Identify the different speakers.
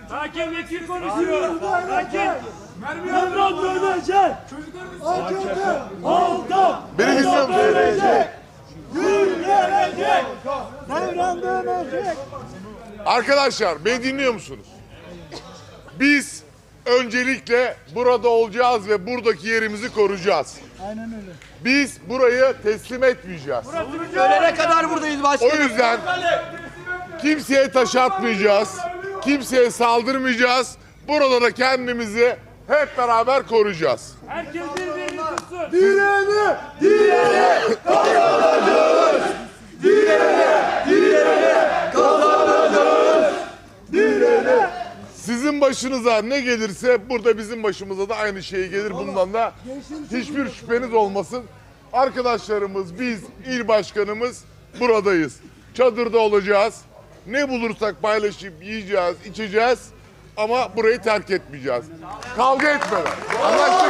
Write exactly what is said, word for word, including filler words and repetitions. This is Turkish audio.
Speaker 1: Hakem vekil konuşuyor. Hakem. Devran dönecek. Hakemde aldan.
Speaker 2: Beni dinliyor musun?
Speaker 1: Dönecek. Gül gelecek. Devran dönecek.
Speaker 2: Arkadaşlar beni dinliyor musunuz? Biz öncelikle burada olacağız ve buradaki yerimizi koruyacağız.
Speaker 1: Aynen öyle.
Speaker 2: Biz burayı teslim etmeyeceğiz.
Speaker 3: Ölene kadar buradayız
Speaker 2: O
Speaker 3: başkanım.
Speaker 2: yüzden kimseye taş atmayacağız. Kimseye saldırmayacağız. Burada da kendimizi hep beraber koruyacağız.
Speaker 1: Herkes birbirini tutsun.
Speaker 2: Direne, direne kazanacağız. Direne, direne kazanacağız. Direne. Sizin başınıza ne gelirse burada bizim başımıza da aynı şey gelir. Bundan da hiçbir şüpheniz olmasın. Arkadaşlarımız, biz, il başkanımız buradayız. Çadırda olacağız. Ne bulursak paylaşıp yiyeceğiz, içeceğiz. Ama burayı terk etmeyeceğiz. Kavga etmeden. Anlaştık.